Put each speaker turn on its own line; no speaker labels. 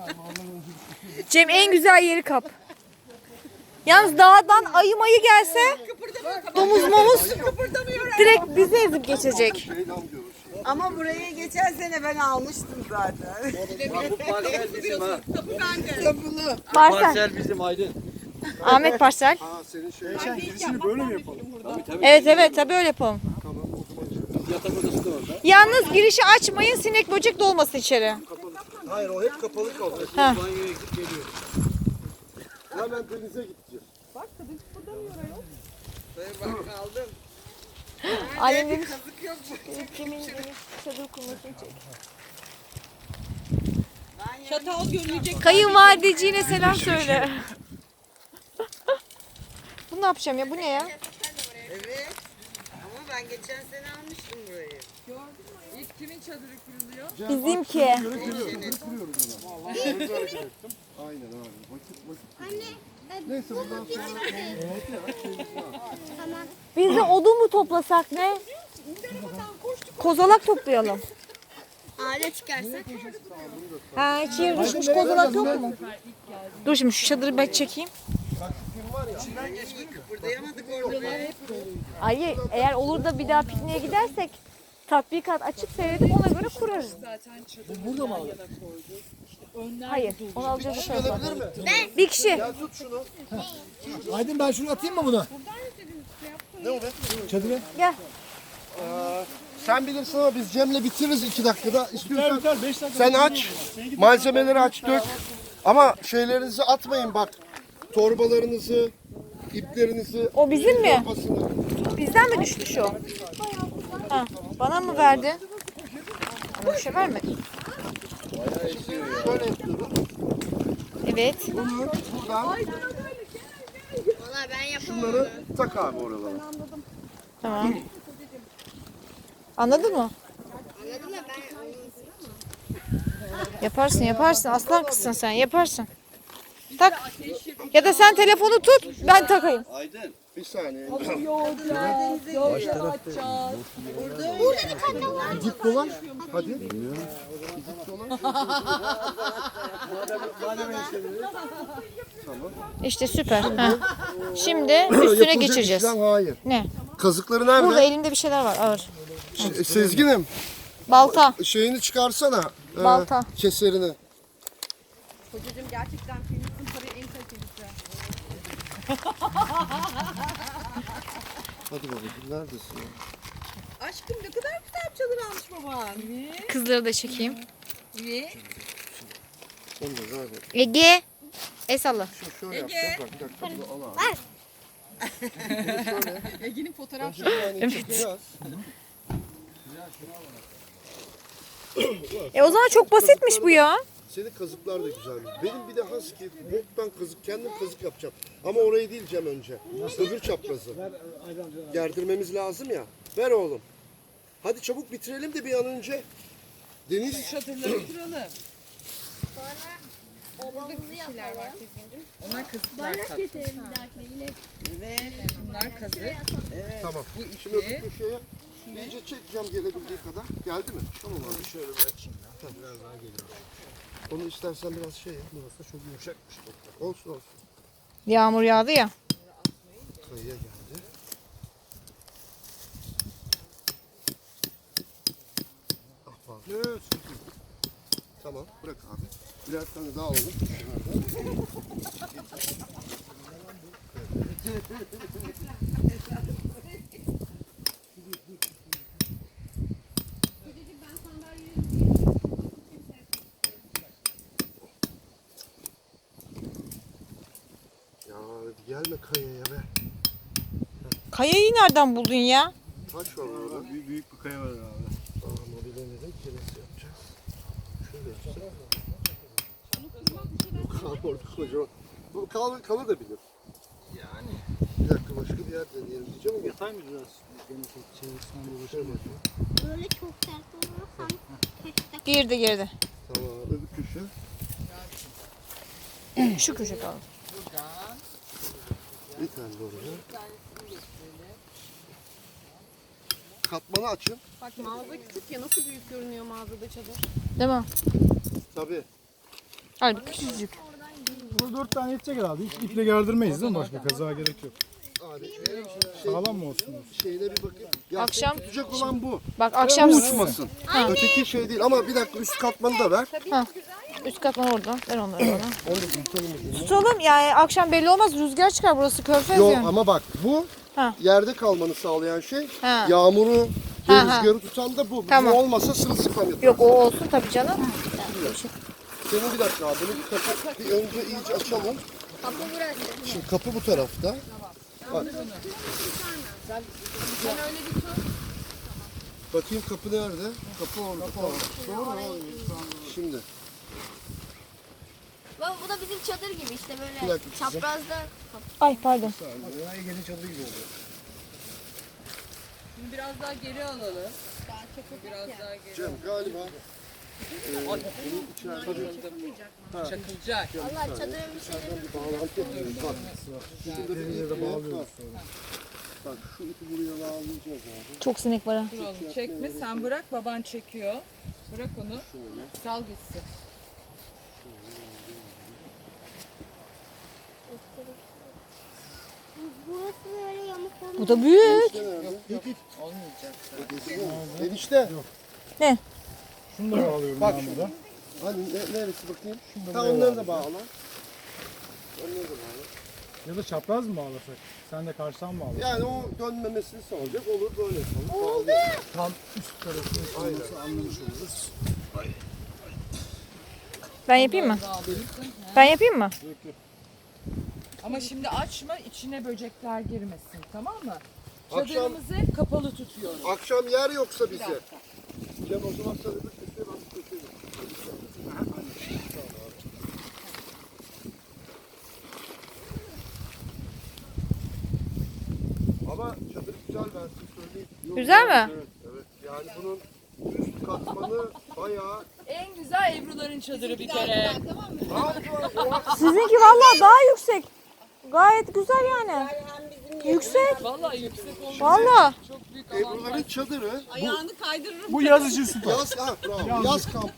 Cem en güzel yeri kap. Yalnız dağdan ayı mayı gelse domuz momuz direkt bizi ezip geçecek.
Ama burayı geçen sene ben almıştım zaten.
Bu parsel bizim ha.
Tapulu.
Parsel.
Parsel bizim Aydın.
Ahmet Parsel.
Ha senin girişini böyle mi yapalım?
Evet tabii öyle yapalım.
Yatak odası da orada.
Yalnız girişi açmayın, sinek böcek dolmasın içeri.
Hayır o hep kapalı kalacak.
Ha.
Banyoya gidip geliyor.
Hemen denize gideceğiz.
Bak kaldım.
Annem demiş.
Kazık yok mu?
Cem'in çadır kurmasını çek.
Çatal görülecek.
Kayınvalideciğine selam söyle. Bunu ne yapacağım ya? Bu ne ya?
Evet. Ama ben geçen sene almıştım burayı.
İlk kimin çadırı kuruluyor?
Bizimki.
Vallahi öyle hareket ettim. Aynen abi. Vakit. Neyse bundan sonra
Biz de odun mu toplasak ne? Kozalak toplayalım.
Ağaca çıkarsak.
Ha, hiç yere düşmüş kozalak yok mu? Dur şimdi şu çadırı ben çekeyim.
Kıpırdayamadık orada.
Ay eğer olur da bir daha pikniğe gidersek tatbikat açıp seyredip ona göre kurarız.
Zaten çadırı burada mı koydu? İşte önler
Hayır, onu alacağız o tarafa. Bir kişi.
gel tut şunu.
Aydın ben şunu atayım mı buna?
Ne o be?
Çadıra.
Gel.
Sen bilirsin ama biz Cem'le bitiririz 2 dakikada. İstiyorsan
Biter 5 dakika.
sen aç. Malzemeleri aç dök. Ama şeylerinizi atmayın bak. Torbalarınızı, iplerinizi.
O bizim mi?
torbasını.
Bizden mi düştü şu? Ha, bana mı verdi? Bana bir şey vermedi.
Şöyle yapıyoruz.
Evet.
Bunu buradan
Valla ben yapamam.
şunları tak abi oralara.
Tamam. Anladın mı?
Anladın mı? Ben
Yaparsın yaparsın. Aslan kızsın sen. Yaparsın. Tak. Ya da sen telefonu tut. Ben takayım.
Aydın.
Bir saniye. Gidip dolaş. Hadi. Gidip dolaş.
İşte süper. Ha. Şimdi üstüne
Yapılacak
geçireceğiz.
işlem hayır.
Ne?
Kazıkları nerede?
Burada elimde bir şeyler var ağır.
Sezgin'im
Balta.
şeyini çıkarsana.
Balta.
Keserini.
Kocacığım gerçekten filmin parayı en kalitelisi.
Hadi babacığım neredesin ya?
Aşkım ne kadar güzel bir çadır almış baban.
Kızları da çekeyim.
Niye?
Onu da ver bak.
Ege. El salla.
Şöyle yapacağım. Bak bir dakika bunu al abi.
Ege'nin fotoğraf
Bir tane çekeceğiz.
O zaman çok basitmiş bu ya.
Senin kazıklar da güzelmiş. Benim bir de husky, boktan kazık, kendim kazık yapacağım. Ama orayı değil Cem önce. Öbür çaprazı. Gerdirmemiz lazım ya. Ver oğlum. Hadi çabuk bitirelim de bir an önce. Deniz
çadırları kuralım.
Babamızı yapalım.
Onlar kazıklar
Bardak
kat.
getirelim bir dahakine yine.
Bunlar kazık.
tamam. Şimdi öbür köşeye iyice çekeceğim gelebildiği kadar. Geldi mi? Tamam abi. Şöyle bir açayım ya. Tamam. Biraz daha geliyor. Onu istersen biraz şey yap. Burası çok yumuşakmış. Olsun olsun.
Yağmur yağdı ya.
Kayıya geldi. Ah pardon. Tamam bırak abi. Birer tane daha alalım. Ya hadi gelme kayaya be.
Kayayı nereden buldun ya?
Taş var orada.
Büyük bir kaya var abi.
Tamam o bilemedim ki nasıl yapacağız. Şöyle yapacağız. Kalk orada kocaman. Bu kalır da bilir. Yani. Bir dakika başka bir yer deneyelim diyeceğim ama.
Yatay mı biraz? Çevirsen
Şöyle bakayım.
Böyle çok sert olursan keşke.
Girdi.
Tamam öbür köşe.
Şu köşe kaldı.
Bir tane de oraya. Katmanı açın.
Bak mağaza küçük ya nasıl büyük görünüyor mağazada çadır.
Değil mi?
Tabii.
Hadi küçücük.
Burada 4 tane yetecek herhalde. Hiç iple gerdirmeyiz değil mi? Başka kazağa gerek yok.
Abi
Sağlam mı olsun?
şeyine bir bakayım. Ya
Akşam-
seni tutacak olan bu.
Bak akşam
Bu uçmasın. Öteki şey değil ama bir dakika üst katmanı da ver.
üst katman orada. Ver onları bana. Tutalım yani akşam belli olmaz. Rüzgar çıkar, burası körfez
Yok
yani.
ama bak bu
Ha.
yerde kalmanı sağlayan şey.
Ha.
Yağmuru,
Ha, ha.
rüzgarı tutan da bu.
Tamam.
Bu olmasa sırılsıklam yapar.
Yok o olsun tabii canım.
Senin bir dakika abi bunu bir önce iyice açalım.
Kapı burası.
Şimdi kapı bu tarafta. Bak. Bakayım kapı nerede? Kapı orada. Tamam. Şimdi
Baba bu da bizim çadır gibi işte
Bir
böyle
dakika kızım.
çaprazda.
Ay pardon.
Ege'nin çadırı gibi oldu.
Şimdi biraz daha geri alalım. Biraz daha geri.
Cem galiba
Çakılacak.
Allah çadırın bir şeyleri.
bir bağlantı yapıyoruz. Bak. Şurada bir ip var. Bak şu ipi buraya bağlayacağız abi.
Çok sinek var ha.
Dur oğlum çekme, sen bırak, baban çekiyor. Bırak onu. Sal gitsin.
Burası böyle yamuk yamuk.
Bu da büyük.
Olmayacak.
Enişte.
Ne?
Şunu da bağlıyorum
Bak
ben burada.
Hani neresi bakayım? Ha onları da bağla. Onları da bağla.
Ya da çapraz mı bağlasak? Sen de karşıdan mı bağla?
Yani o dönmemesini sağlayacak. Olur böyle yapalım. Oldu.
Tam üst tarafını olması anlamış oluruz.
Ben yapayım mı? Ben yapayım mı?
Ama şimdi açma, içine böcekler girmesin, tamam mı?
Akşam-
Çadırımızı hep kapalı tutuyoruz.
Akşam yer yoksa bize. Cem o zaman sana bir köşeye bak köşeye. Ama çadır güzel ben size söyleyeyim.
Güzel mi?
Evet, evet. Yani bunun üst katmanı bayağı...
En güzel Ebru'ların çadırı bir kere.
Sizinki vallahi daha yüksek. Gayet güzel yani. Yüksek.
Vallahi yüksek olmuş.
Vallahi.
Çok büyük alan.
Ebru'ların çadırı
Ayağını kaydırırım.
Bu yaz için süper.
yaz, ha, bravo. Yaz kampı